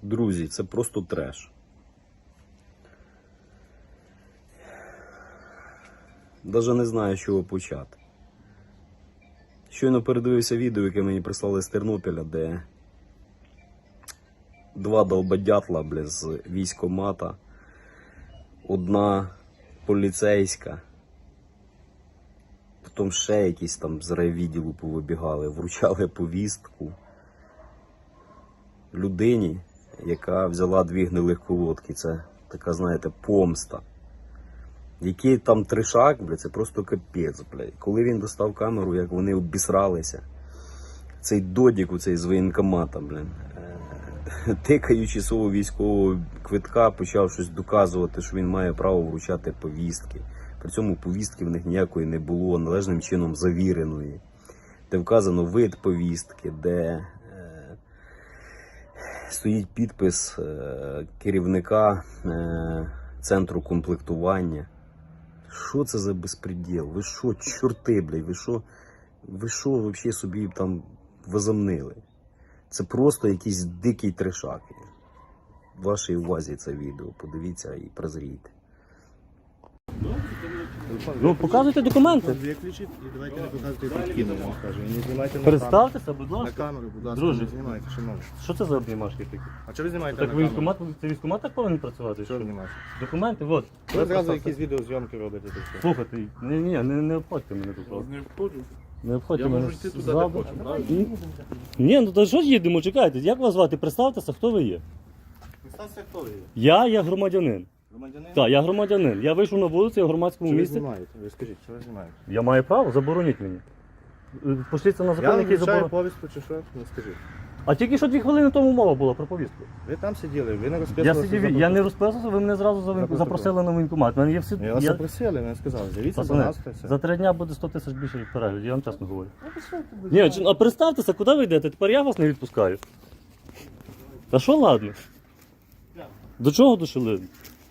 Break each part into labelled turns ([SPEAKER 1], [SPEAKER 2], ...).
[SPEAKER 1] Друзі, це просто треш. Даже не знаю, з чого почати. Щойно передивився відео, яке мені прислали з Тернопіля, де два долбодятла, бля, з військкомата, одна поліцейська, потім ще якісь там з райвідділу повибігали, вручали повістку людині, яка взяла 2 гнилих колодки. Це така, знаєте, помста. Який там трешак, бля, це просто капець, бля. Коли він достав камеру, як вони обісралися, цей додік у цей з воєнкомата, бля, тикаючи свого військового квитка, почав щось доказувати, що він має право вручати повістки. При цьому повістки в них ніякої не було, належним чином завіреної. Де вказано вид повістки, де стоїть підпис керівника центру комплектування. Що це за безпреділ? Ви що, чорти, блядь, ви що взагалі собі там возомнили? Це просто якийсь дикий трешак. В вашій увазі це відео. Подивіться і прозрійте.
[SPEAKER 2] Ну, показуйте документи.
[SPEAKER 3] Виключіть і давайте не показуйте підкину, я вам кажу. І не знімайте на
[SPEAKER 2] Представтеся, будь
[SPEAKER 3] на
[SPEAKER 2] ласка.
[SPEAKER 3] камеру, будь ласка,
[SPEAKER 2] Друже.
[SPEAKER 3] не знімайте, шановні.
[SPEAKER 2] Що це за обнімашки такі?
[SPEAKER 3] А чого ви знімаєте
[SPEAKER 2] Так
[SPEAKER 3] на камеру?
[SPEAKER 2] військкомат, це військкомат так повинен працювати?
[SPEAKER 3] Що ви знімаєте?
[SPEAKER 2] Документи, от.
[SPEAKER 3] Ви одразу якісь відеозйомки робите. так що.
[SPEAKER 2] Слухайте, не обходьте мене тут. просто.
[SPEAKER 4] Не входжу.
[SPEAKER 2] Не обходьте
[SPEAKER 4] Я
[SPEAKER 2] мене.
[SPEAKER 4] можу йти туди, де
[SPEAKER 2] ззаду.
[SPEAKER 4] хочу, правильно?
[SPEAKER 2] Ні, ну то що ж їдемо, чекайте. Як вас звати? Представтеся, хто ви є?
[SPEAKER 3] Представся, хто ви є?
[SPEAKER 2] Я є громадянин.
[SPEAKER 3] Громадянин?
[SPEAKER 2] Так, я громадянин. Я вийшов на вулицю, я в громадському
[SPEAKER 3] Що ви
[SPEAKER 2] місці.
[SPEAKER 3] знімаєте? Ви скажіть, що ви знімаєте?
[SPEAKER 2] Я маю право, забороніть мені. Пошліться на
[SPEAKER 3] Я
[SPEAKER 2] закон,
[SPEAKER 3] вам
[SPEAKER 2] який
[SPEAKER 3] вручаю
[SPEAKER 2] заборонить.
[SPEAKER 3] повістку чи що? Ну скажіть.
[SPEAKER 2] А тільки що 2 хвилини тому мова була про повістку.
[SPEAKER 3] Ви там сиділи, ви не
[SPEAKER 2] Я
[SPEAKER 3] розписувалися.
[SPEAKER 2] сидів, я не розписувався, ви мене зразу запросили на воєнкомат. Мене є всі.
[SPEAKER 3] Я вас запросили, ви сказали, дивіться, будь
[SPEAKER 2] Пацани,
[SPEAKER 3] ласка, все.
[SPEAKER 2] за 3 дня буде 100 тисяч більше переглядів, я вам чесно говорю. Ні, а представтеся, куди ви йдете? Тепер я вас не відпускаю. Та що ладно? До чого дошли?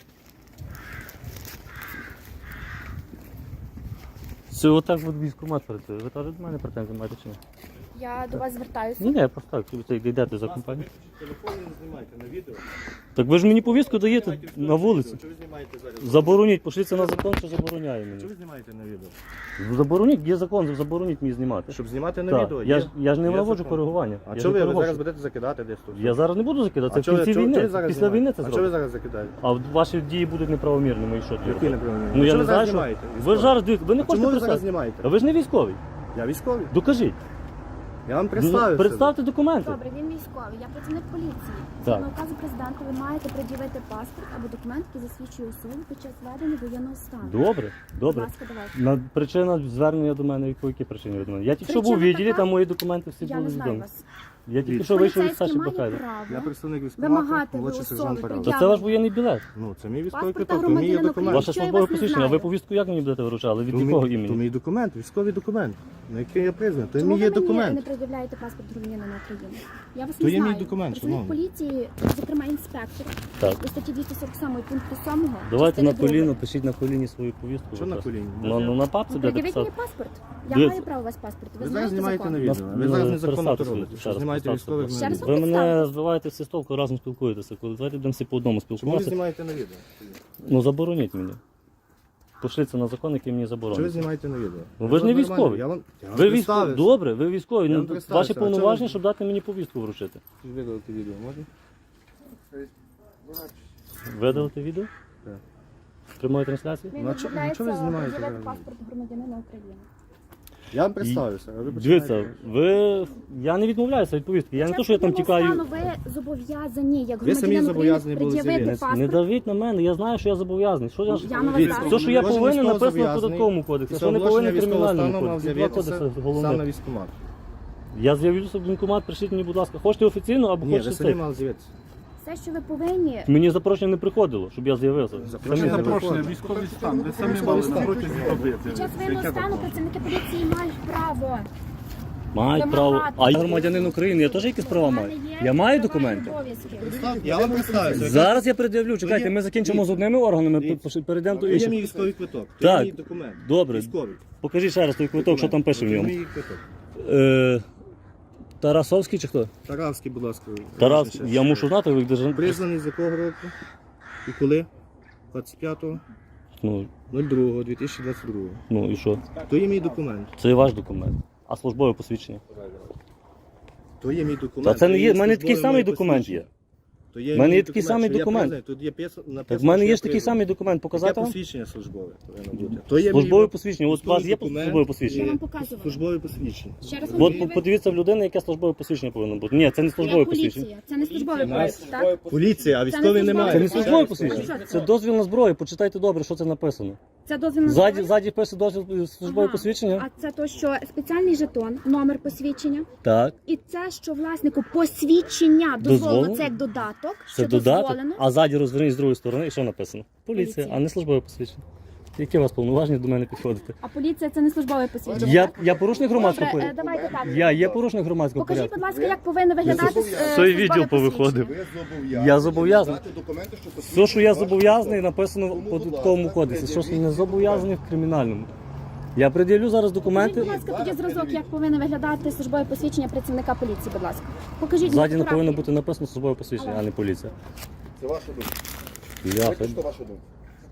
[SPEAKER 2] Це отак от військкомат працює. Ви теж до мене претензії маєте чи ні?
[SPEAKER 5] Я до вас звертаюся.
[SPEAKER 2] Ні, я просто так, ви йдете за компанію.
[SPEAKER 3] Телефон не знімайте на відео.
[SPEAKER 2] Так ви ж мені повістку даєте на вулиці.
[SPEAKER 3] Що ви знімаєте зараз?
[SPEAKER 2] Забороніть, пошліться на закон, що забороняє
[SPEAKER 3] Що
[SPEAKER 2] мені.
[SPEAKER 3] ви знімаєте на відео?
[SPEAKER 2] Забороніть, є закон, забороніть мені знімати.
[SPEAKER 3] Щоб знімати на
[SPEAKER 2] Так,
[SPEAKER 3] відео?
[SPEAKER 2] я ж не
[SPEAKER 3] є
[SPEAKER 2] наводжу
[SPEAKER 3] закон.
[SPEAKER 2] коригування.
[SPEAKER 3] А
[SPEAKER 2] Я
[SPEAKER 3] чого
[SPEAKER 2] ж не
[SPEAKER 3] ви зараз
[SPEAKER 2] переводжу.
[SPEAKER 3] будете закидати десь тут?
[SPEAKER 2] Я зараз не буду закидати, це в
[SPEAKER 3] чого-
[SPEAKER 2] кінці
[SPEAKER 3] чого- чого
[SPEAKER 2] війни.
[SPEAKER 3] ви зараз
[SPEAKER 2] Після війни це
[SPEAKER 3] знімаєте? А чого ви
[SPEAKER 2] зробимо.
[SPEAKER 3] зараз закидаєте?
[SPEAKER 2] А ваші дії будуть неправомірними і що ти?
[SPEAKER 3] Які неправильні?
[SPEAKER 2] Ну я
[SPEAKER 3] Чого
[SPEAKER 2] не
[SPEAKER 3] ви зараз
[SPEAKER 2] знаю, що...
[SPEAKER 3] знімаєте?
[SPEAKER 2] Ви
[SPEAKER 3] Військові?
[SPEAKER 2] зараз дивіться, ви не
[SPEAKER 3] А чому
[SPEAKER 2] хочете
[SPEAKER 3] ви зараз
[SPEAKER 2] представити.
[SPEAKER 3] знімаєте?
[SPEAKER 2] А ви ж не військовий.
[SPEAKER 3] Я військовий.
[SPEAKER 2] Докажіть.
[SPEAKER 3] Я вам представився.
[SPEAKER 2] Представте документи.
[SPEAKER 5] Добре, він військовий, я працівник поліції.
[SPEAKER 2] Так.
[SPEAKER 5] Згідно указу президента, ви маєте пред'явити паспорт або документ, який засвідчує особу під час ведення воєнного стану.
[SPEAKER 2] Добре,
[SPEAKER 5] Будь
[SPEAKER 2] добре.
[SPEAKER 5] ласка, давайте.
[SPEAKER 2] Причина звернення до мене, по якій причині від мене? Я тільки що був у
[SPEAKER 5] Причина
[SPEAKER 2] відділі,
[SPEAKER 5] така,
[SPEAKER 2] там мої документи всі
[SPEAKER 5] Я
[SPEAKER 2] були
[SPEAKER 5] не знаю
[SPEAKER 2] відомі.
[SPEAKER 5] вас.
[SPEAKER 2] Я тільки що вийшов від
[SPEAKER 5] Поліцейський
[SPEAKER 2] Саші
[SPEAKER 5] має
[SPEAKER 2] Бакайда.
[SPEAKER 3] Я
[SPEAKER 5] право
[SPEAKER 3] представник військкомату,
[SPEAKER 5] вимагати
[SPEAKER 3] молодший
[SPEAKER 5] особи
[SPEAKER 3] сержант Парад.
[SPEAKER 5] пред'явити.
[SPEAKER 2] Це ваш воєнний білет.
[SPEAKER 3] Ну, це мій військовий
[SPEAKER 5] Паспорта
[SPEAKER 3] квиток, то мій є
[SPEAKER 5] громадянина
[SPEAKER 3] документ.
[SPEAKER 5] України.
[SPEAKER 2] Ваше
[SPEAKER 5] Що я
[SPEAKER 2] службове
[SPEAKER 5] вас не
[SPEAKER 2] посвідчення, а ви
[SPEAKER 5] знаю.
[SPEAKER 2] повістку як мені будете вручали? Від
[SPEAKER 3] То
[SPEAKER 2] якого
[SPEAKER 3] мій- То
[SPEAKER 2] імені?
[SPEAKER 3] мій документ, військовий документ, на який я призваний. То
[SPEAKER 5] Чому
[SPEAKER 3] мій є
[SPEAKER 5] ви мені не
[SPEAKER 3] документ.
[SPEAKER 5] пред'являєте паспорт громадянина України? Я вас
[SPEAKER 3] То
[SPEAKER 5] не
[SPEAKER 3] є мій
[SPEAKER 5] знаю.
[SPEAKER 3] документ,
[SPEAKER 5] Працівник
[SPEAKER 3] шановний.
[SPEAKER 5] поліції, зокрема інспектор,
[SPEAKER 2] Так.
[SPEAKER 5] у статті 247 пункту 7.
[SPEAKER 2] Давайте на
[SPEAKER 5] частини
[SPEAKER 2] коліно,
[SPEAKER 5] другої.
[SPEAKER 2] пишіть на коліні свою повістку.
[SPEAKER 3] Що на
[SPEAKER 2] будь ласка.
[SPEAKER 3] коліні?
[SPEAKER 2] Ну на папці
[SPEAKER 5] Ну,
[SPEAKER 2] буде
[SPEAKER 5] пред'явіть мені
[SPEAKER 2] писати.
[SPEAKER 5] паспорт. Я
[SPEAKER 2] Дивіться.
[SPEAKER 5] маю право у вас паспорт. Ви
[SPEAKER 3] Ви зараз
[SPEAKER 5] знаєте
[SPEAKER 3] знімаєте
[SPEAKER 5] закон?
[SPEAKER 3] на відео. Ви зараз незаконно то робите. Що знімаєте військових
[SPEAKER 5] Ще
[SPEAKER 3] на
[SPEAKER 5] раз
[SPEAKER 3] відео.
[SPEAKER 2] Ви мене
[SPEAKER 5] представтесь.
[SPEAKER 2] збиваєте всі з толку, разом спілкуєтеся. Коли давайте будемо всі по одному
[SPEAKER 3] Чому ви
[SPEAKER 2] спілкуватися.
[SPEAKER 3] знімаєте на відео?
[SPEAKER 2] Ну забороніть мені. Пошліться на закон, який мені
[SPEAKER 3] Що ви
[SPEAKER 2] заборонить.
[SPEAKER 3] знімаєте на відео?
[SPEAKER 2] Ну, ви ж не
[SPEAKER 3] Нормально,
[SPEAKER 2] військовий.
[SPEAKER 3] Я вам
[SPEAKER 2] Ви військові.
[SPEAKER 3] представився.
[SPEAKER 2] Добре, ви військові.
[SPEAKER 3] Я вам
[SPEAKER 2] Ну,
[SPEAKER 3] представився.
[SPEAKER 2] ваші
[SPEAKER 3] А чого
[SPEAKER 2] повноваження,
[SPEAKER 3] ви-
[SPEAKER 2] щоб дати мені повістку вручити.
[SPEAKER 3] Видалити відео можна?
[SPEAKER 2] Видалити відео?
[SPEAKER 3] Так.
[SPEAKER 2] З прямої трансляції?
[SPEAKER 5] Він
[SPEAKER 3] Ну, а чого-
[SPEAKER 5] відмовляється
[SPEAKER 3] чого ви знімаєте
[SPEAKER 5] пред'явити
[SPEAKER 3] зараз?
[SPEAKER 5] паспорт громадянина України.
[SPEAKER 3] Я вам представився. а ви
[SPEAKER 2] Дивіться,
[SPEAKER 3] починаєте-
[SPEAKER 2] я не відмовляюся від повістки. Я не
[SPEAKER 5] Під
[SPEAKER 2] то,
[SPEAKER 5] час
[SPEAKER 2] що я там
[SPEAKER 5] воєнного
[SPEAKER 2] тікаю.
[SPEAKER 5] стану Ви зобов'язані, як
[SPEAKER 3] Ви самі
[SPEAKER 5] громадянин
[SPEAKER 3] зобов'язані
[SPEAKER 5] України,
[SPEAKER 3] були
[SPEAKER 5] пред'явити
[SPEAKER 3] заявити.
[SPEAKER 2] Не
[SPEAKER 5] паспорт.
[SPEAKER 2] давіть на мене, я знаю, що я зобов'язаний. Що я ж...
[SPEAKER 5] Я на вас
[SPEAKER 3] Дивіться,
[SPEAKER 5] ставлю.
[SPEAKER 2] Все, що я
[SPEAKER 3] Кожен
[SPEAKER 2] повинен,
[SPEAKER 3] військово
[SPEAKER 2] написано в
[SPEAKER 3] зобов'язаний
[SPEAKER 2] податковому кодексі.
[SPEAKER 3] після
[SPEAKER 2] Що не повинен в
[SPEAKER 3] оголошення військового
[SPEAKER 2] кримінальному
[SPEAKER 3] стану мав
[SPEAKER 2] кодексі. Два
[SPEAKER 3] з'явитися
[SPEAKER 2] кодекси
[SPEAKER 3] сам на
[SPEAKER 2] головне.
[SPEAKER 3] військкомат.
[SPEAKER 2] Я з'явлюся в воєнкомат, прийшліть мені, будь ласка. Хочете офіційно або
[SPEAKER 3] Ні, ви
[SPEAKER 2] хочете
[SPEAKER 3] самі
[SPEAKER 2] цей.
[SPEAKER 3] мали з'явитися.
[SPEAKER 5] Все, що ви повинні,
[SPEAKER 2] Мені запрошення не приходило, щоб я з'явився.
[SPEAKER 3] Запрошення
[SPEAKER 2] Самі
[SPEAKER 3] не
[SPEAKER 2] з'явилися.
[SPEAKER 4] Запрошення, військовий стан. Ви самі мали на протязі доби.
[SPEAKER 5] під час воєнного стану працівники поліції мають право.
[SPEAKER 2] Мають право.
[SPEAKER 5] Вимагати.
[SPEAKER 2] А я громадянин України, я теж якісь права маю? Я маю документи?
[SPEAKER 5] Обов'язки.
[SPEAKER 3] Я вам представився.
[SPEAKER 2] Зараз я пред'явлю. Чекайте, ми закінчимо з одними органами, перейдемо до
[SPEAKER 3] Є мій
[SPEAKER 2] інших.
[SPEAKER 3] військовий квиток.
[SPEAKER 2] Так.
[SPEAKER 3] Це мій документ.
[SPEAKER 2] Добре.
[SPEAKER 3] Військовий.
[SPEAKER 2] Покажіть ще раз той квиток, що там пише в
[SPEAKER 3] Це
[SPEAKER 2] ньому.
[SPEAKER 3] мій квиток.
[SPEAKER 2] Тарасовський чи хто?
[SPEAKER 3] Таравський, будь ласка.
[SPEAKER 2] Тарас,
[SPEAKER 3] Ще.
[SPEAKER 2] я мушу знати, ви держите.
[SPEAKER 3] Призваний з якого року? І коли? 25.02.2022.
[SPEAKER 2] Ну і що?
[SPEAKER 3] То є мій документ.
[SPEAKER 2] Це ваш документ. А службове посвідчення?
[SPEAKER 3] То є мій документ.
[SPEAKER 2] Та це не є, в мене такий
[SPEAKER 3] службове
[SPEAKER 2] самий
[SPEAKER 3] моє
[SPEAKER 2] документ
[SPEAKER 3] посвідчення.
[SPEAKER 2] є.
[SPEAKER 3] То є
[SPEAKER 2] В мене
[SPEAKER 3] мій
[SPEAKER 2] є такий самий
[SPEAKER 3] що я
[SPEAKER 2] документ.
[SPEAKER 3] призваний. Тут є написано,
[SPEAKER 2] Так в мене
[SPEAKER 3] що
[SPEAKER 2] є
[SPEAKER 3] я
[SPEAKER 2] ж такий
[SPEAKER 3] призваний.
[SPEAKER 2] самий документ, показати
[SPEAKER 3] Яке
[SPEAKER 2] вам?
[SPEAKER 3] посвідчення службове повинно бути? То є
[SPEAKER 2] Службове
[SPEAKER 3] мій
[SPEAKER 2] посвідчення. От у вас є
[SPEAKER 3] документ.
[SPEAKER 2] службове
[SPEAKER 5] Я
[SPEAKER 2] посвідчення?
[SPEAKER 5] вам показувала.
[SPEAKER 3] службове посвідчення.
[SPEAKER 5] Ще раз
[SPEAKER 2] От подивіться в людини, яке службове посвідчення повинно бути. Ні, це не службове посвідчення.
[SPEAKER 5] поліція. Це не службовий поїзд, так?
[SPEAKER 3] Поліція, а
[SPEAKER 5] Це
[SPEAKER 3] військові
[SPEAKER 5] не
[SPEAKER 3] немає.
[SPEAKER 2] Це не
[SPEAKER 5] службове
[SPEAKER 2] службове
[SPEAKER 5] Що
[SPEAKER 2] посвідчення.
[SPEAKER 5] це?
[SPEAKER 2] Це дозвіл на зброю. Почитайте добре, що це написано.
[SPEAKER 5] Це дозвіл на
[SPEAKER 2] Ззаді,
[SPEAKER 5] зброю?
[SPEAKER 2] ззаді пише дозвіл службове
[SPEAKER 5] Ага.
[SPEAKER 2] посвідчення.
[SPEAKER 5] А це то, що спеціальний жетон, номер посвідчення.
[SPEAKER 2] Так.
[SPEAKER 5] І це, що власнику посвідчення
[SPEAKER 2] Дозволено?
[SPEAKER 5] дозволено, це як додаток,
[SPEAKER 2] Це
[SPEAKER 5] що
[SPEAKER 2] додаток,
[SPEAKER 5] дозволено.
[SPEAKER 2] а ззаді розверніть з другої сторони, і що написано? Поліція,
[SPEAKER 5] Поліція.
[SPEAKER 2] а не службове посвідчення. Які у вас повноваження до мене підходите?
[SPEAKER 5] А поліція це не службове посвідчення.
[SPEAKER 2] Я порушник громадського
[SPEAKER 5] Добре,
[SPEAKER 2] порядку.
[SPEAKER 5] давайте так.
[SPEAKER 2] Я є порушник громадського
[SPEAKER 5] Покажіть,
[SPEAKER 2] порядку.
[SPEAKER 5] будь ласка, як повинно виглядати
[SPEAKER 2] Той
[SPEAKER 5] службове
[SPEAKER 2] відділ
[SPEAKER 5] посвідчення.
[SPEAKER 2] повиходив.
[SPEAKER 6] Ви
[SPEAKER 2] Я зобов'язаний.
[SPEAKER 6] надати документи, що
[SPEAKER 2] Все, що я
[SPEAKER 6] посвідчують
[SPEAKER 2] зобов'язаний, написано в податковому кодексі. Що ж не зобов'язаний в кримінальному. Я пред'явлю зараз
[SPEAKER 5] Покажіть,
[SPEAKER 2] документи.
[SPEAKER 5] будь ласка, тоді зразок, як повинно виглядати службове посвідчення працівника поліції, будь ласка. Покажіть.
[SPEAKER 2] Ззаді не
[SPEAKER 5] фотографії.
[SPEAKER 2] повинно бути написано службове посвідчення, а не поліція.
[SPEAKER 6] Це ваша думка.
[SPEAKER 2] Бляха.
[SPEAKER 6] Давайте, що ваша думка.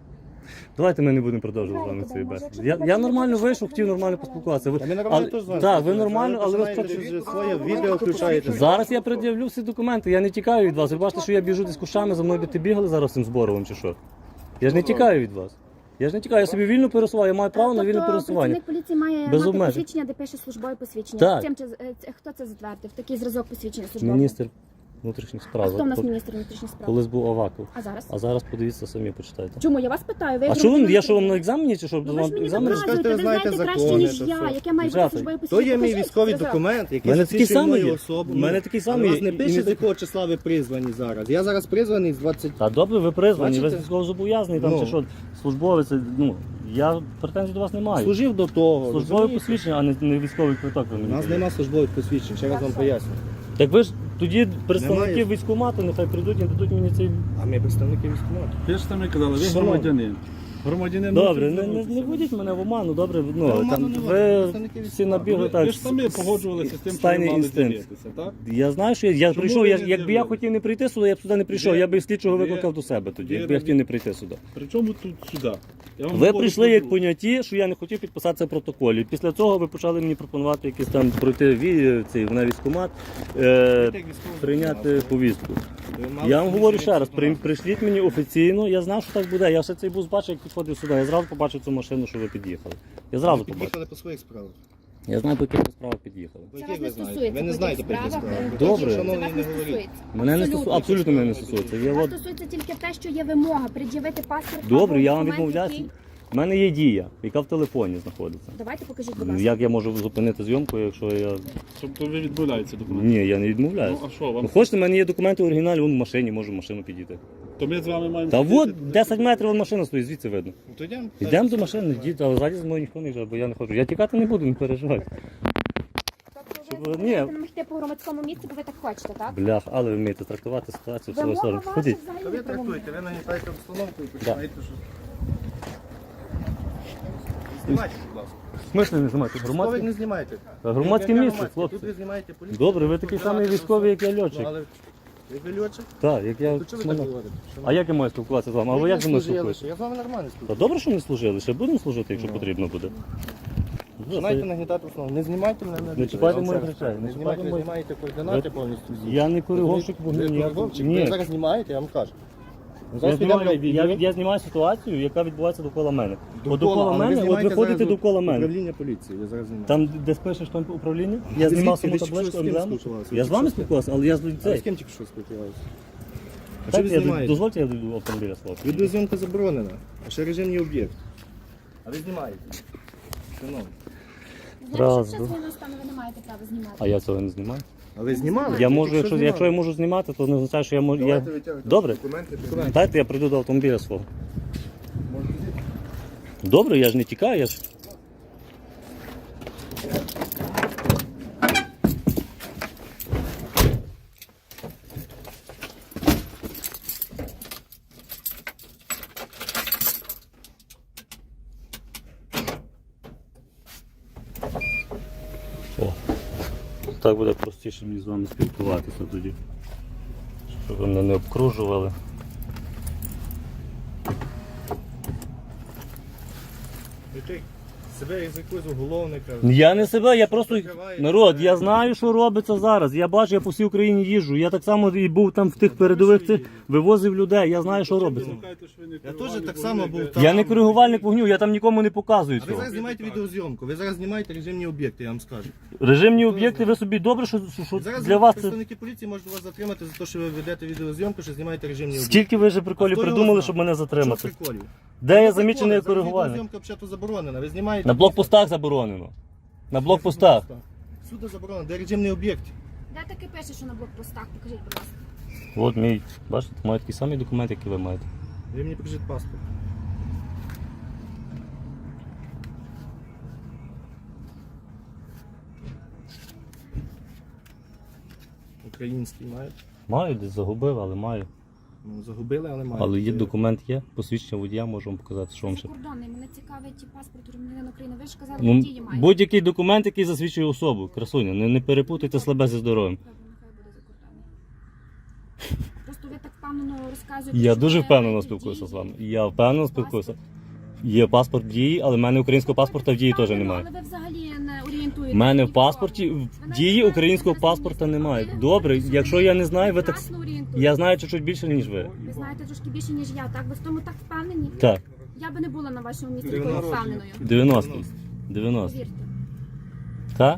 [SPEAKER 2] Давайте ми не будемо продовжувати з вами цю бесіду. Я нормально вийшов, хотів нормально поспілкуватися.
[SPEAKER 3] Та ми нормально теж з вами
[SPEAKER 2] Так, ви
[SPEAKER 3] спілкуємося.
[SPEAKER 2] нормально, але ви
[SPEAKER 3] починаєте
[SPEAKER 2] спочатку...
[SPEAKER 3] вже своє відео включаєте.
[SPEAKER 2] Зараз я пред'явлю всі документи, я не тікаю від вас. Ви бачите, що я біжу десь кущами, за мною би ти бігали зараз цим зборовим чи що? Я ж не тікаю від вас. Я ж не тікаю, я собі вільно пересуваю, я маю право на вільне пересування.
[SPEAKER 5] Працівник поліції має
[SPEAKER 2] Без
[SPEAKER 5] мати
[SPEAKER 2] обмежень.
[SPEAKER 5] посвідчення, де пише службове посвідчення.
[SPEAKER 2] Так.
[SPEAKER 5] Хто це затвердив? Такий зразок посвідчення службового?
[SPEAKER 2] Міністр внутрішніх
[SPEAKER 5] А
[SPEAKER 2] справ.
[SPEAKER 5] хто в нас міністр внутрішніх справ?
[SPEAKER 2] Колись був Аваков.
[SPEAKER 5] А зараз?
[SPEAKER 2] А зараз подивіться самі, почитайте.
[SPEAKER 5] Чому? Я вас питаю. Ви
[SPEAKER 2] А
[SPEAKER 5] як
[SPEAKER 2] що ви,
[SPEAKER 5] громадянин
[SPEAKER 2] я що вам на
[SPEAKER 5] України?
[SPEAKER 2] екзамені чи що?
[SPEAKER 5] Ну, ви ж
[SPEAKER 2] Вам
[SPEAKER 5] мені
[SPEAKER 2] екзамен?
[SPEAKER 5] доказуєте,
[SPEAKER 3] Ви
[SPEAKER 5] ви
[SPEAKER 3] знаєте
[SPEAKER 5] знаєте краще,
[SPEAKER 3] закони,
[SPEAKER 5] ніж
[SPEAKER 3] це
[SPEAKER 5] я,
[SPEAKER 3] все.
[SPEAKER 5] яке має бути
[SPEAKER 2] Дівчата,
[SPEAKER 5] службове
[SPEAKER 3] То
[SPEAKER 5] посвідчення.
[SPEAKER 3] є мій
[SPEAKER 5] Покажіть
[SPEAKER 3] військовий
[SPEAKER 5] зразок.
[SPEAKER 3] документ,
[SPEAKER 2] У
[SPEAKER 3] який
[SPEAKER 2] мене такий
[SPEAKER 3] засвідчує
[SPEAKER 2] самий
[SPEAKER 3] мою
[SPEAKER 2] є.
[SPEAKER 3] особу.
[SPEAKER 2] У мене такий самий
[SPEAKER 3] Але у вас
[SPEAKER 2] є.
[SPEAKER 3] не
[SPEAKER 2] І
[SPEAKER 3] пише,
[SPEAKER 2] не-
[SPEAKER 3] з якого числа ви призвані зараз. Я зараз призваний з 20...
[SPEAKER 2] Та добре, ви призвані, ви
[SPEAKER 3] Бачите?
[SPEAKER 2] військовозобов'язаний, там
[SPEAKER 3] Ну.
[SPEAKER 2] чи що, службовець, ну, я претензій до вас не маю.
[SPEAKER 3] Служив до того.
[SPEAKER 2] Службове
[SPEAKER 3] розумієте?
[SPEAKER 2] посвідчення, а не військовий квиток ви
[SPEAKER 3] У
[SPEAKER 2] мені
[SPEAKER 3] нас
[SPEAKER 2] даєте.
[SPEAKER 3] нема службових посвідчень, ще раз вам поясню.
[SPEAKER 2] Так ви ж тоді представники
[SPEAKER 3] Немає.
[SPEAKER 2] військкомату, нехай прийдуть і дадуть мені цей...
[SPEAKER 3] А ми представники військкомату.
[SPEAKER 4] Ви ж самі казали, ви
[SPEAKER 3] Шановні.
[SPEAKER 4] громадянин. Громадянин
[SPEAKER 2] Добре,
[SPEAKER 4] мусить
[SPEAKER 2] не
[SPEAKER 4] звернутися.
[SPEAKER 2] вводіть мене в оману, добре,
[SPEAKER 3] Та
[SPEAKER 2] ну,
[SPEAKER 3] оману
[SPEAKER 2] там,
[SPEAKER 3] не
[SPEAKER 2] ви
[SPEAKER 3] вводять, представники
[SPEAKER 2] всі набігли
[SPEAKER 4] Ви,
[SPEAKER 2] так.
[SPEAKER 4] ви ж самі погоджувалися з тим, що ви
[SPEAKER 2] стайний
[SPEAKER 4] мали
[SPEAKER 2] інстинкт.
[SPEAKER 4] дивитися, так?
[SPEAKER 2] Я знаю, що я
[SPEAKER 4] Чому
[SPEAKER 2] прийшов,
[SPEAKER 4] ви не
[SPEAKER 2] якби я
[SPEAKER 4] з'явились?
[SPEAKER 2] хотів не прийти сюди, я б сюди не прийшов,
[SPEAKER 4] Ви-
[SPEAKER 2] я б слідчого
[SPEAKER 4] ви-
[SPEAKER 2] викликав до себе тоді,
[SPEAKER 4] ви
[SPEAKER 2] якби я
[SPEAKER 4] робіть-
[SPEAKER 2] хотів не прийти сюди.
[SPEAKER 4] Причому тут сюди? Я вам
[SPEAKER 2] Ви
[SPEAKER 4] говорю
[SPEAKER 2] прийшли
[SPEAKER 4] про
[SPEAKER 2] як
[SPEAKER 4] друге.
[SPEAKER 2] поняті, що я не хотів підписатися в протоколі. Після цього ви почали мені пропонувати якісь там пройти цей на військкомат, прийняти повістку. Я вам говорю ще раз, прийшліть мені офіційно, я знав, що так буде. Я ще цей бус бачив, як підходив сюди. Я зразу побачив цю машину, що ви під'їхали. Я зразу побачив.
[SPEAKER 3] Під'їхали по своїх справах.
[SPEAKER 2] Я знаю, по яких справах під'їхали.
[SPEAKER 3] По
[SPEAKER 5] Це
[SPEAKER 3] яких
[SPEAKER 5] вас
[SPEAKER 3] ви
[SPEAKER 5] не
[SPEAKER 3] знаєте?
[SPEAKER 5] стосується.
[SPEAKER 3] Ви не
[SPEAKER 5] по
[SPEAKER 3] знаєте
[SPEAKER 5] тих
[SPEAKER 3] по яких
[SPEAKER 5] справах,
[SPEAKER 3] справах.
[SPEAKER 2] Добре.
[SPEAKER 5] Це
[SPEAKER 3] Шановні,
[SPEAKER 5] вас
[SPEAKER 3] не
[SPEAKER 5] не
[SPEAKER 3] говоріть.
[SPEAKER 5] стосується.
[SPEAKER 2] Мене не стосується, абсолютно мене не стосується. Я
[SPEAKER 5] Вас
[SPEAKER 2] от...
[SPEAKER 5] стосується тільки те, що є вимога пред'явити паспорт.
[SPEAKER 2] Добре,
[SPEAKER 5] або
[SPEAKER 2] я вам
[SPEAKER 5] документ,
[SPEAKER 2] відмовляюся.
[SPEAKER 5] який-
[SPEAKER 2] У мене є дія, яка в телефоні знаходиться.
[SPEAKER 5] Давайте покажіть, будь ласка.
[SPEAKER 2] Як я можу зупинити зйомку, якщо я.
[SPEAKER 4] Тобто ви відмовляєтеся документи?
[SPEAKER 2] Ні, я не відмовляюся.
[SPEAKER 4] Ну, а що вам?
[SPEAKER 2] Ну, хочете, в мене є документи в оригіналі, вон в машині, можу в машину підійти.
[SPEAKER 4] То ми з вами маємо...
[SPEAKER 2] Та
[SPEAKER 4] сидіти?
[SPEAKER 2] от 10 метрів вон машина стоїть, звідси видно.
[SPEAKER 3] Ну, то йдемо.
[SPEAKER 2] Йдемо до машини, йдіть, але ззаді за мною ніхто не йде, бо я не хочу. Я тікати не буду, не переживайте.
[SPEAKER 5] Тобто ви
[SPEAKER 2] Ні.
[SPEAKER 5] можете нам йти по громадському місці, бо ви так хочете, так?
[SPEAKER 2] Блях, але ви вмієте трактувати ситуацію в свою
[SPEAKER 5] Вимога
[SPEAKER 2] сторону.
[SPEAKER 5] ваша
[SPEAKER 2] Ходіть.
[SPEAKER 5] взагалі
[SPEAKER 3] Та ви
[SPEAKER 5] не правомірна.
[SPEAKER 3] трактуєте, ви нагнітаєте обстановку і починаєте що. Знімайте, будь ласка.
[SPEAKER 2] В смислі не знімати?
[SPEAKER 3] Військових
[SPEAKER 2] Громадське,
[SPEAKER 3] не знімайте.
[SPEAKER 2] громадське
[SPEAKER 3] Яке
[SPEAKER 2] місце,
[SPEAKER 3] громадське?
[SPEAKER 2] хлопці.
[SPEAKER 3] Тут ви знімаєте поліцію.
[SPEAKER 2] Добре, ви такий самий військовий, як я льотчик.
[SPEAKER 3] Ну, але ви льотчик?
[SPEAKER 2] Так, як я.
[SPEAKER 3] То чого ви так говорите?
[SPEAKER 2] А як я маю спілкуватися з вами? А ви як зі мною спілкуєтеся?
[SPEAKER 3] Я з вами нормально
[SPEAKER 2] Та
[SPEAKER 3] спілкуюся.
[SPEAKER 2] добре, що не служили, ще будемо служити, якщо
[SPEAKER 3] Ну.
[SPEAKER 2] потрібно буде.
[SPEAKER 3] Починайте нагнітати основу. Не знімайте мене на відео.
[SPEAKER 2] чіпайте
[SPEAKER 3] Я вам
[SPEAKER 2] моїх
[SPEAKER 3] ще раз
[SPEAKER 2] речей,
[SPEAKER 3] кажу.
[SPEAKER 2] не
[SPEAKER 3] Не
[SPEAKER 2] чіпайте
[SPEAKER 3] знімайте, ви
[SPEAKER 2] моїх-
[SPEAKER 3] знімаєте координати повністю всі.
[SPEAKER 2] Я не коригувщик
[SPEAKER 3] Ви
[SPEAKER 2] вогню ніякого.
[SPEAKER 3] коригувщик. Ви
[SPEAKER 2] Ні.
[SPEAKER 3] зараз знімаєте, я вам кажу. Ну,
[SPEAKER 2] Я
[SPEAKER 3] зараз підемо на
[SPEAKER 2] знімаю,
[SPEAKER 3] відео.
[SPEAKER 2] я знімаю ситуацію, яка відбувається довкола мене. От
[SPEAKER 3] Довкола,
[SPEAKER 2] довкола
[SPEAKER 3] але
[SPEAKER 2] мене, от
[SPEAKER 3] знімаєте
[SPEAKER 2] ви ходите
[SPEAKER 3] зараз
[SPEAKER 2] довкола мене.
[SPEAKER 3] Управління поліції, я зараз знімаю.
[SPEAKER 2] Там, де спишеш там управління, я
[SPEAKER 3] Ви
[SPEAKER 2] знімав
[SPEAKER 3] звідки?
[SPEAKER 2] саму
[SPEAKER 3] Ви тільки
[SPEAKER 2] табличку
[SPEAKER 3] що з ким
[SPEAKER 2] емблему.
[SPEAKER 3] спілкувалися?
[SPEAKER 2] Я з вами спілкувався, але я з
[SPEAKER 3] А з
[SPEAKER 2] людей.
[SPEAKER 3] ким тільки що спілкувалися? А що
[SPEAKER 2] Так,
[SPEAKER 3] ви
[SPEAKER 2] я
[SPEAKER 3] знімаєте?
[SPEAKER 2] дозвольте, я дойду автомобіля свого.
[SPEAKER 3] Відеозйомка заборонена, а ще режимний об'єкт. А ви знімаєте? Шановні.
[SPEAKER 2] Раз,
[SPEAKER 5] Якщо
[SPEAKER 2] два.
[SPEAKER 5] час війна стане, ви не маєте права знімати.
[SPEAKER 2] А я цього не знімаю.
[SPEAKER 3] А ви знімали?
[SPEAKER 2] Я можу,
[SPEAKER 3] Якщо
[SPEAKER 2] якщо я
[SPEAKER 3] знімали.
[SPEAKER 2] можу знімати, то не означає, що я можу.
[SPEAKER 6] Давайте витягуйте
[SPEAKER 2] Добре,
[SPEAKER 6] документи.
[SPEAKER 2] дайте я прийду до автомобіля свого.
[SPEAKER 6] Можете зійти.
[SPEAKER 2] Добре, я ж не тікаю, я ж. О, так буде простіше мені з вами спілкуватися тоді. Щоб ви мене не обкружували.
[SPEAKER 3] І ти себе як якогось уголовника.
[SPEAKER 2] Я не себе, я просто
[SPEAKER 3] Закриваєте.
[SPEAKER 2] народ, я знаю, що робиться зараз. Я бачу, я по всій Україні їжджу. Я так само і був там в тих передових цих, вивозив людей, я знаю, що робиться.
[SPEAKER 3] Я теж так само був там.
[SPEAKER 2] Я не коригувальник вогню, я там нікому не показую
[SPEAKER 3] А ви
[SPEAKER 2] цього.
[SPEAKER 3] зараз знімаєте відеозйомку, ви зараз знімаєте режимні об'єкти, я вам скажу.
[SPEAKER 2] Режимні об'єкти, ви собі добре, що
[SPEAKER 3] Зараз
[SPEAKER 2] для вас це.
[SPEAKER 3] представники поліції можуть вас затримати за те, що ви ведете відеозйомку, що знімаєте режимні об'єкти.
[SPEAKER 2] Скільки ви вже приколів
[SPEAKER 3] А хто його
[SPEAKER 2] придумали,
[SPEAKER 3] знає?
[SPEAKER 2] щоб мене
[SPEAKER 3] Що
[SPEAKER 2] затримати?
[SPEAKER 3] приколів?
[SPEAKER 2] Де я
[SPEAKER 3] Ну,
[SPEAKER 2] замічений
[SPEAKER 3] приколи, зараз
[SPEAKER 2] коригувальник?
[SPEAKER 3] відеозйомка взагалі заборонена, ви знімаєте...
[SPEAKER 2] На блокпостах заборонено. На блокпостах.
[SPEAKER 3] Всюди заборонено, де режимний об'єкт.
[SPEAKER 5] Де таке пише, що на блокпостах? Покажіть, будь ласка.
[SPEAKER 2] От мій, бачите, маю такий самий документ, який ви маєте.
[SPEAKER 3] Ви мені покажіть паспорт. Український маєте?
[SPEAKER 2] Маю, десь загубив, але маю.
[SPEAKER 3] Ну, загубили, але маєте.
[SPEAKER 2] Але є документ є, посвідчення водія, можу вам показати, що вам ще.
[SPEAKER 5] Закордонний, мене цікавить паспорт громадянина України. Ви ж казали,
[SPEAKER 2] Ну,
[SPEAKER 5] що дії маєте.
[SPEAKER 2] будь-який документ, який засвідчує особу, красуня, не перепутайте слабе зі здоров'ям.
[SPEAKER 5] Добре, нехай буде закордонний. Просто ви так впевнено розказуєте.
[SPEAKER 2] Я
[SPEAKER 5] що
[SPEAKER 2] дуже
[SPEAKER 5] ви
[SPEAKER 2] впевнено
[SPEAKER 5] маєте
[SPEAKER 2] спілкуюся
[SPEAKER 5] дії.
[SPEAKER 2] з вами. Я впевнено спілкуюся.
[SPEAKER 5] Паспорт.
[SPEAKER 2] Є паспорт в дії, але в мене українського паспорта в дії теж
[SPEAKER 5] Впевнено,
[SPEAKER 2] немає.
[SPEAKER 5] Але ви взагалі не орієнтуєте.
[SPEAKER 2] У мене в
[SPEAKER 5] ні кого.
[SPEAKER 2] паспорті в
[SPEAKER 5] Ви навіть
[SPEAKER 2] дії
[SPEAKER 5] не
[SPEAKER 2] українського
[SPEAKER 5] знаєте,
[SPEAKER 2] паспорта
[SPEAKER 5] ви
[SPEAKER 2] немає.
[SPEAKER 5] знаєте,
[SPEAKER 2] Добре,
[SPEAKER 5] що
[SPEAKER 2] якщо я не знаю, ви так.
[SPEAKER 5] прекрасно орієнтуєтесь.
[SPEAKER 2] Я знаю чуть-чуть більше, ніж ви.
[SPEAKER 5] Ви знаєте трошки більше, ніж я, так? Ви в тому так впевнені?
[SPEAKER 2] Так,
[SPEAKER 5] Я би не була на вашому місці такою впевненою.
[SPEAKER 2] 90. 90.
[SPEAKER 5] Повірте.
[SPEAKER 2] Так?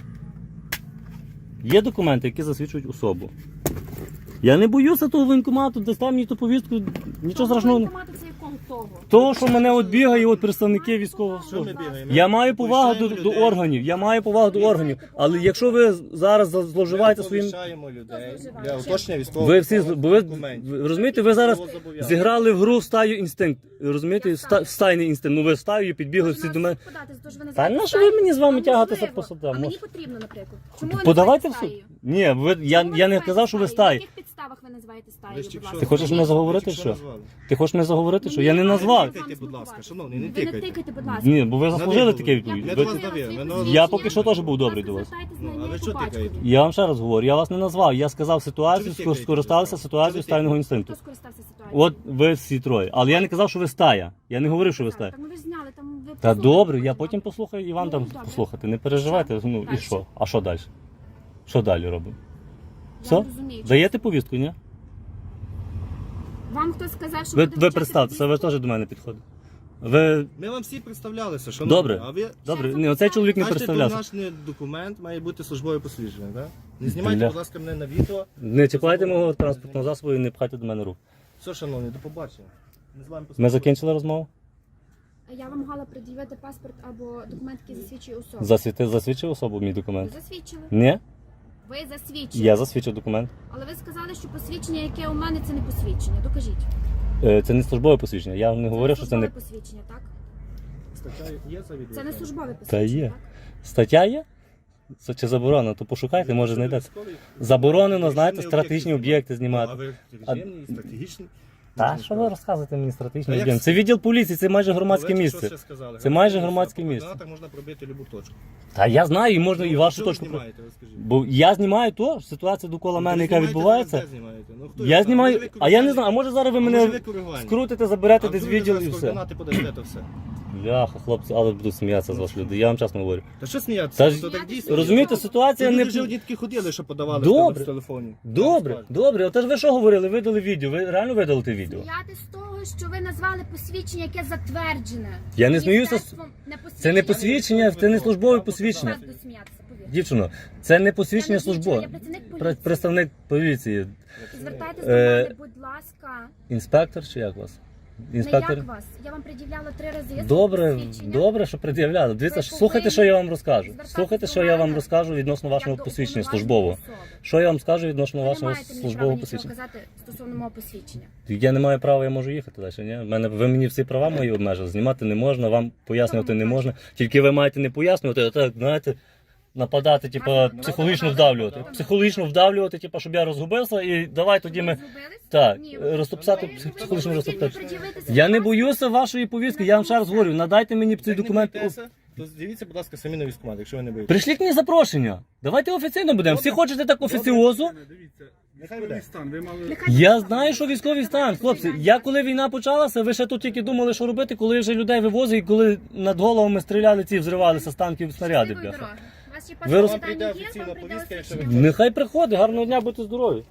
[SPEAKER 2] Є документи, які засвідчують особу. Я не боюся того воєнкомату, дасте мені ту повістку, нічого страшного.
[SPEAKER 5] Воєнкомати це якого того?
[SPEAKER 2] Того, що мене от бігає, от представники військового
[SPEAKER 3] Що ми
[SPEAKER 2] служби.
[SPEAKER 3] бігаємо?
[SPEAKER 2] Я маю повагу до
[SPEAKER 3] Повищаємо
[SPEAKER 2] органів, я маю повагу до органів. Але якщо ви зараз зловживаєте
[SPEAKER 3] Ми
[SPEAKER 2] своїм.
[SPEAKER 3] повищаємо людей
[SPEAKER 5] зловживає?
[SPEAKER 3] для уточнення військового
[SPEAKER 2] Ви всі бо ви розумієте, ви зараз
[SPEAKER 3] Військовозобов'язаних.
[SPEAKER 2] зіграли в гру в стаю інстинкт. Розумієте,
[SPEAKER 5] Я
[SPEAKER 2] в стайний інстинкт. Ну ви стаю підбігли всі до мене. Та на що ви мені з вами тягатися по судам?
[SPEAKER 5] А мені потрібно, наприклад. Чому ви
[SPEAKER 2] Подавайте в
[SPEAKER 5] називаєте
[SPEAKER 2] суд.
[SPEAKER 5] стаєю?
[SPEAKER 2] Ні, ви я
[SPEAKER 5] Чому ви
[SPEAKER 2] не
[SPEAKER 5] називаєте
[SPEAKER 2] казав, що ви
[SPEAKER 5] стаєю?
[SPEAKER 2] стаї.
[SPEAKER 5] На яких підставах ви називаєте стаєю,
[SPEAKER 3] Ви ж
[SPEAKER 5] будь
[SPEAKER 3] тільки
[SPEAKER 5] ласка?
[SPEAKER 3] що-
[SPEAKER 2] Ти хочеш мене заговорити,
[SPEAKER 3] Що
[SPEAKER 2] що?
[SPEAKER 3] назвали?
[SPEAKER 2] Ти хочеш мене заговорити, що?
[SPEAKER 5] Мені
[SPEAKER 2] Я не
[SPEAKER 5] не
[SPEAKER 2] назвав.
[SPEAKER 5] треба.
[SPEAKER 3] Тикайте, будь ласка, шановний, не
[SPEAKER 5] Ви не
[SPEAKER 3] тикайте.
[SPEAKER 5] тикайте, будь ласка.
[SPEAKER 2] Ні, бо ви заслужили
[SPEAKER 3] Навіть
[SPEAKER 2] таке
[SPEAKER 3] було.
[SPEAKER 2] відповідь.
[SPEAKER 3] Я
[SPEAKER 2] Ви-
[SPEAKER 3] до вас довів.
[SPEAKER 2] Я поки що теж був добрий до вас.
[SPEAKER 3] Ну, а ви що тикаєте?
[SPEAKER 2] Я вам ще раз говорю, я вас не назвав. Я сказав ситуацію,
[SPEAKER 3] Чого ви тикаєте?
[SPEAKER 2] скористався ситуацією стайного інстинкту.
[SPEAKER 5] Хто скористався ситуацією?
[SPEAKER 2] От ви всі троє. Але я не казав, що ви стая. Я не говорив, що ви стая.
[SPEAKER 5] Так, ну ви ж зняли, там ви
[SPEAKER 2] Та
[SPEAKER 5] послухайте
[SPEAKER 2] добре, я
[SPEAKER 5] потім.
[SPEAKER 2] потім послухаю і вам
[SPEAKER 5] Ну,
[SPEAKER 2] там
[SPEAKER 5] добре.
[SPEAKER 2] послухати. Не переживайте. Ну і
[SPEAKER 5] Дальше.
[SPEAKER 2] що? А що далі? Що далі робимо?
[SPEAKER 5] Я
[SPEAKER 2] Все?
[SPEAKER 5] не розумію.
[SPEAKER 2] Даєте повістку, ні?
[SPEAKER 5] Вам хтось сказав, що
[SPEAKER 2] Ви
[SPEAKER 5] буде вручати
[SPEAKER 2] представтеся, ви
[SPEAKER 5] повістку?
[SPEAKER 2] теж до мене підходите. Ви
[SPEAKER 3] Ми вам всі представлялися, шановні.
[SPEAKER 2] Добре.
[SPEAKER 3] А ви
[SPEAKER 2] добре, ні, оцей чоловік не
[SPEAKER 3] бачите, тут
[SPEAKER 2] представлявся.
[SPEAKER 3] наш не документ має бути службове посвідчення, так? Не знімайте,
[SPEAKER 2] Бля.
[SPEAKER 3] будь ласка, мене на відео.
[SPEAKER 2] Не чіпайте мого транспортного засобу і не пхайте до мене рук.
[SPEAKER 3] Все, шановні, до побачення. Не з вами
[SPEAKER 2] Ми
[SPEAKER 3] поспілкуюся.
[SPEAKER 2] закінчили розмову?
[SPEAKER 5] Я вам могла пред'явити паспорт або документ, який засвідчує особу.
[SPEAKER 2] Засвідчив особу мій
[SPEAKER 5] Ви
[SPEAKER 2] документ?
[SPEAKER 5] засвідчили?
[SPEAKER 2] Ні?
[SPEAKER 5] Ви засвідчили.
[SPEAKER 2] Я засвідчив документ.
[SPEAKER 5] Але ви сказали, що посвідчення, яке у мене, це не посвідчення. Докажіть.
[SPEAKER 2] Це не службове посвідчення. Я не говорив, що це не.
[SPEAKER 5] службове посвідчення, так?
[SPEAKER 3] Стаття є за відео?
[SPEAKER 5] Це не службове
[SPEAKER 2] Та
[SPEAKER 5] посвідчення,
[SPEAKER 2] є.
[SPEAKER 5] так?
[SPEAKER 2] Стаття є? Це чи заборонено? То пошукайте, може знайдеться. Заборонено, знаєте, стратегічні об'єкти
[SPEAKER 3] А
[SPEAKER 2] знімати.
[SPEAKER 3] ви режимні, стратегічні?
[SPEAKER 2] Та що ви розказуєте мені стратегічні
[SPEAKER 3] Та як
[SPEAKER 2] об'єкти? Це відділ поліції, це майже громадське
[SPEAKER 3] Ви що
[SPEAKER 2] місце.
[SPEAKER 3] ще сказали?
[SPEAKER 2] Це майже
[SPEAKER 3] Громадське
[SPEAKER 2] громадське
[SPEAKER 3] місце.
[SPEAKER 2] місце.
[SPEAKER 3] По координатах можна пробити любу точку.
[SPEAKER 2] Та я знаю, і можна і вашу
[SPEAKER 3] Що ви
[SPEAKER 2] точку.
[SPEAKER 3] знімаєте, розкажіть?
[SPEAKER 2] Бо я знімаю то, ситуація довкола
[SPEAKER 3] Ну,
[SPEAKER 2] мене,
[SPEAKER 3] ви
[SPEAKER 2] яка
[SPEAKER 3] знімаєте,
[SPEAKER 2] відбувається.
[SPEAKER 3] де знімаєте? Ну, хто
[SPEAKER 2] Я
[SPEAKER 3] його знає?
[SPEAKER 2] знімаю,
[SPEAKER 3] Може, ви
[SPEAKER 2] а я не
[SPEAKER 3] коригувальник?
[SPEAKER 2] знаю, а може зараз ви
[SPEAKER 3] А може,
[SPEAKER 2] мене
[SPEAKER 3] ви коригувальник?
[SPEAKER 2] скрутите, заберете
[SPEAKER 3] А
[SPEAKER 2] десь
[SPEAKER 3] вдруг ви
[SPEAKER 2] відділ
[SPEAKER 3] зараз
[SPEAKER 2] і все.
[SPEAKER 3] координати подасте, то все.
[SPEAKER 2] Бляха, хлопці, але буду сміятися з вас люди. Я вам чесно говорю.
[SPEAKER 3] Та що сміятися?
[SPEAKER 2] Та ж-
[SPEAKER 3] То так дійсно.
[SPEAKER 2] Розумієте, ситуація
[SPEAKER 3] Люди
[SPEAKER 2] не.
[SPEAKER 3] вже одні такі ходили, що подавали
[SPEAKER 2] Добре.
[SPEAKER 3] в телефоні.
[SPEAKER 2] Добре, добре. Отож ви що говорили? Видали відео. Ви реально видали те відео?
[SPEAKER 5] Сміяти з того, що ви назвали посвідчення, яке затверджене.
[SPEAKER 2] Я не сміюся з-
[SPEAKER 5] Міністерством не посвідчення.
[SPEAKER 2] Це не посвідчення, це не службове посвідчення.
[SPEAKER 5] Я буду сміятися, повірте.
[SPEAKER 2] Дівчино, це не посвідчення
[SPEAKER 5] Я не дівчина,
[SPEAKER 2] службове.
[SPEAKER 5] я працівник поліції.
[SPEAKER 2] Представник поліції.
[SPEAKER 5] Звертайтесь
[SPEAKER 2] Е,
[SPEAKER 5] до мене, будь ласка.
[SPEAKER 2] Інспектор чи як вас?
[SPEAKER 5] Не
[SPEAKER 2] Інспектор?
[SPEAKER 5] як вас. Я вам пред'являла 3 рази.
[SPEAKER 2] Добре,
[SPEAKER 5] посвідчення.
[SPEAKER 2] добре, що пред'являли. Дивіться,
[SPEAKER 5] Ви
[SPEAKER 2] слухайте,
[SPEAKER 5] повинні
[SPEAKER 2] що я вам розкажу.
[SPEAKER 5] звертатись
[SPEAKER 2] Слухайте,
[SPEAKER 5] до
[SPEAKER 2] що я вам
[SPEAKER 5] мене
[SPEAKER 2] розкажу відносно
[SPEAKER 5] як
[SPEAKER 2] вашого
[SPEAKER 5] до
[SPEAKER 2] посвідчення
[SPEAKER 5] уповноваженої
[SPEAKER 2] службового.
[SPEAKER 5] особи.
[SPEAKER 2] Що я вам скажу відносно
[SPEAKER 5] Ви не
[SPEAKER 2] вашого
[SPEAKER 5] маєте мені права
[SPEAKER 2] службового
[SPEAKER 5] нічого
[SPEAKER 2] посвідчення?
[SPEAKER 5] казати стосовно мого посвідчення.
[SPEAKER 2] Я не маю права, я можу їхати далі. Ні? Ви мені всі права мої обмежили. Знімати не можна, вам пояснювати не можна. Тільки ви маєте не пояснювати, а так, знаєте, нападати, типа, психологічно вдавлювати. Психологічно вдавлювати, типа, щоб я розгубився, і давай тоді ми.
[SPEAKER 5] Розгубились?
[SPEAKER 2] Так,
[SPEAKER 5] Ні, ви-
[SPEAKER 2] розтопсати,
[SPEAKER 5] ви-
[SPEAKER 2] психологічно
[SPEAKER 5] ви
[SPEAKER 2] розтоптати.
[SPEAKER 5] хотіли пред'явити
[SPEAKER 2] Я не
[SPEAKER 5] ситуацію.
[SPEAKER 2] боюся вашої повістки, я вам ще раз говорю, надайте мені цей
[SPEAKER 3] Як не
[SPEAKER 2] документ.
[SPEAKER 3] боїтеся, То дивіться, будь ласка, самі на військкомат, якщо ви не боїтесь.
[SPEAKER 2] Прийшліть мені запрошення. Давайте офіційно будемо. Всі хочете так офіціозу?
[SPEAKER 4] Дивіться,
[SPEAKER 3] Нехай
[SPEAKER 4] військовий
[SPEAKER 3] буде.
[SPEAKER 4] стан, ви мали...
[SPEAKER 2] Я знаю, що військовий стан, хлопці. Я коли війна почалася, ви ще тут тільки думали, що робити, коли вже людей вивозили, і коли над головами стріляли ці, взривалися з танків снаряди,
[SPEAKER 5] Щасливої
[SPEAKER 2] бляха.
[SPEAKER 5] дороги. У вас ще
[SPEAKER 2] Ви роз-
[SPEAKER 5] паспорт
[SPEAKER 3] Вам прийде
[SPEAKER 5] дані є,
[SPEAKER 3] офіційна
[SPEAKER 5] вам прийде
[SPEAKER 3] повістка, якщо ви
[SPEAKER 5] офіційна.
[SPEAKER 2] Нехай приходить, гарного дня, будьте здорові.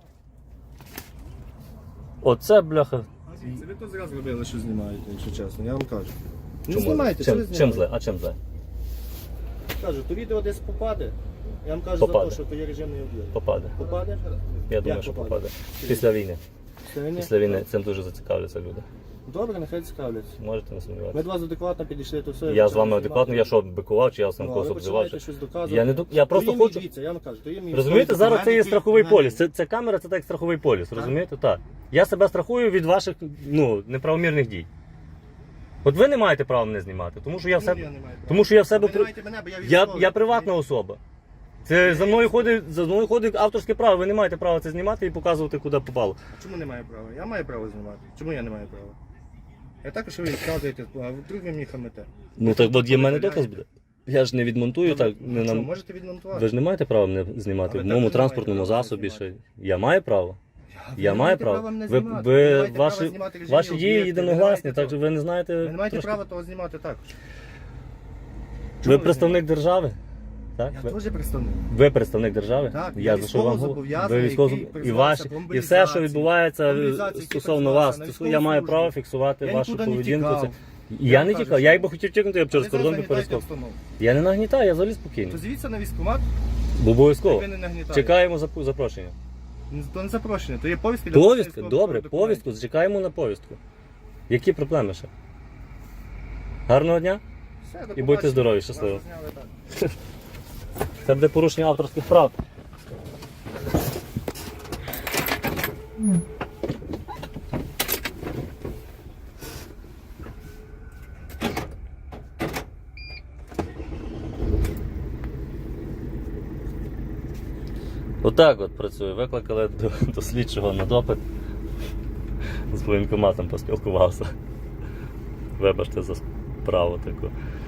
[SPEAKER 2] Оце, бляха.
[SPEAKER 3] Це ви то зразу робили, що знімаєте, якщо чесно, я вам кажу. Не
[SPEAKER 2] Чому?
[SPEAKER 3] знімайте, що ви
[SPEAKER 2] Чим
[SPEAKER 3] знімаєте?
[SPEAKER 2] зле? А чим зле?
[SPEAKER 3] Кажу, то відео десь попаде. Я вам кажу за
[SPEAKER 2] Попаде.
[SPEAKER 3] те, що то є режимний об'єкт.
[SPEAKER 2] Попаде.
[SPEAKER 3] Попаде?
[SPEAKER 2] Я думаю,
[SPEAKER 3] Як
[SPEAKER 2] що
[SPEAKER 3] попаде?
[SPEAKER 2] попаде. Після війни.
[SPEAKER 3] Сьогодні?
[SPEAKER 2] Після війни цим дуже зацікавляться люди.
[SPEAKER 3] Добре, нехай цікавляться.
[SPEAKER 2] Можете не
[SPEAKER 3] Ми
[SPEAKER 2] сумніватися.
[SPEAKER 3] до вас адекватно підійшли, то все.
[SPEAKER 2] Я з вами адекватно, я що, бикував, чи я сам
[SPEAKER 3] Ну, а
[SPEAKER 2] когось
[SPEAKER 3] ви
[SPEAKER 2] обзивав?
[SPEAKER 3] починаєте щось доказувати.
[SPEAKER 2] Я не ду- я просто
[SPEAKER 3] То є мій,
[SPEAKER 2] хочу-
[SPEAKER 3] дивіться, я вам кажу, то є мій
[SPEAKER 2] Розумієте,
[SPEAKER 3] військовий
[SPEAKER 2] зараз це є
[SPEAKER 3] документ,
[SPEAKER 2] страховий
[SPEAKER 3] який в мене
[SPEAKER 2] поліс. Ця камера це так як страховий поліс, розумієте? Так. Я себе страхую від ваших неправомірних дій. От ви не маєте права мене знімати, тому що я в
[SPEAKER 3] Чому
[SPEAKER 2] себе.
[SPEAKER 3] я не маю права?
[SPEAKER 2] Тому що я в себе
[SPEAKER 3] Ви не
[SPEAKER 2] при-
[SPEAKER 3] маєте мене, бо я
[SPEAKER 2] Я
[SPEAKER 3] військовий.
[SPEAKER 2] приватна особа. Це за мною ходить авторське право. Ви не маєте права це знімати і показувати, куди попало.
[SPEAKER 3] Чому не маю права? Я маю право знімати. Чому я не маю права? Я також ви відказуєте, а вдруг ви мені хамите.
[SPEAKER 2] Ну так от є в мене доказ буде. Я ж не відмонтую, так не
[SPEAKER 3] Що,
[SPEAKER 2] нам.
[SPEAKER 3] можете відмонтувати?
[SPEAKER 2] Ви ж не маєте права мене знімати
[SPEAKER 3] А
[SPEAKER 2] в
[SPEAKER 3] ви
[SPEAKER 2] моєму
[SPEAKER 3] також не
[SPEAKER 2] транспортному
[SPEAKER 3] маєте права
[SPEAKER 2] засобі.
[SPEAKER 3] знімати.
[SPEAKER 2] Ще я маю право.
[SPEAKER 3] Ви
[SPEAKER 2] Я
[SPEAKER 3] не
[SPEAKER 2] маю
[SPEAKER 3] маєте
[SPEAKER 2] право.
[SPEAKER 3] права мене
[SPEAKER 2] Ви,
[SPEAKER 3] знімати.
[SPEAKER 2] ви
[SPEAKER 3] Ви не маєте права
[SPEAKER 2] ваші
[SPEAKER 3] знімати режимні
[SPEAKER 2] ваші дії
[SPEAKER 3] об'єкти.
[SPEAKER 2] єдиногласні,
[SPEAKER 3] Ви не
[SPEAKER 2] так що ви не знаєте.
[SPEAKER 3] Ви не маєте
[SPEAKER 2] трошки.
[SPEAKER 3] права того знімати також.
[SPEAKER 2] Ви
[SPEAKER 3] Чому
[SPEAKER 2] представник держави? Так?
[SPEAKER 3] Я теж представник.
[SPEAKER 2] Ви представник держави?
[SPEAKER 3] Так,
[SPEAKER 2] я
[SPEAKER 3] я
[SPEAKER 2] за що вам говорю?
[SPEAKER 3] військовозобов'язаний,
[SPEAKER 2] Ви військово
[SPEAKER 3] який
[SPEAKER 2] і
[SPEAKER 3] призвався
[SPEAKER 2] ваші
[SPEAKER 3] по
[SPEAKER 2] і все, що
[SPEAKER 3] мобілізації.
[SPEAKER 2] відбувається
[SPEAKER 3] Мобілізації, який
[SPEAKER 2] стосовно вас,
[SPEAKER 3] призвався на
[SPEAKER 2] я маю
[SPEAKER 3] військову
[SPEAKER 2] право
[SPEAKER 3] службу.
[SPEAKER 2] фіксувати
[SPEAKER 3] Я
[SPEAKER 2] вашу
[SPEAKER 3] нікуди не
[SPEAKER 2] поведінку.
[SPEAKER 3] тікав.
[SPEAKER 2] Це
[SPEAKER 3] Я
[SPEAKER 2] я не
[SPEAKER 3] кажу,
[SPEAKER 2] тікав.
[SPEAKER 3] що-
[SPEAKER 2] Я якби хотів тікнути, я б через
[SPEAKER 3] Ви
[SPEAKER 2] кордон би
[SPEAKER 3] зараз нагнітаєте
[SPEAKER 2] перескочив.
[SPEAKER 3] обстановку.
[SPEAKER 2] Я не нагнітаю, я взагалі спокійний.
[SPEAKER 3] То звідси на військкомат,
[SPEAKER 2] Бо обов'язково.
[SPEAKER 3] ви не нагнітаєте.
[SPEAKER 2] Чекаємо запрошення.
[SPEAKER 3] То не запрошення, то є повістка. для
[SPEAKER 2] Повістка,
[SPEAKER 3] військових
[SPEAKER 2] добре,
[SPEAKER 3] документів.
[SPEAKER 2] повістку, чекаємо на повістку. Які проблеми ще? Гарного дня
[SPEAKER 3] Все, до
[SPEAKER 2] і будьте
[SPEAKER 3] побачення.
[SPEAKER 2] здорові, щасливо.
[SPEAKER 3] Вас зняли, так.
[SPEAKER 2] Це буде порушення авторських прав. Отак от працює. Викликали до слідчого на допит. З воєнкоматом поспілкувався. Вибачте за справу таку.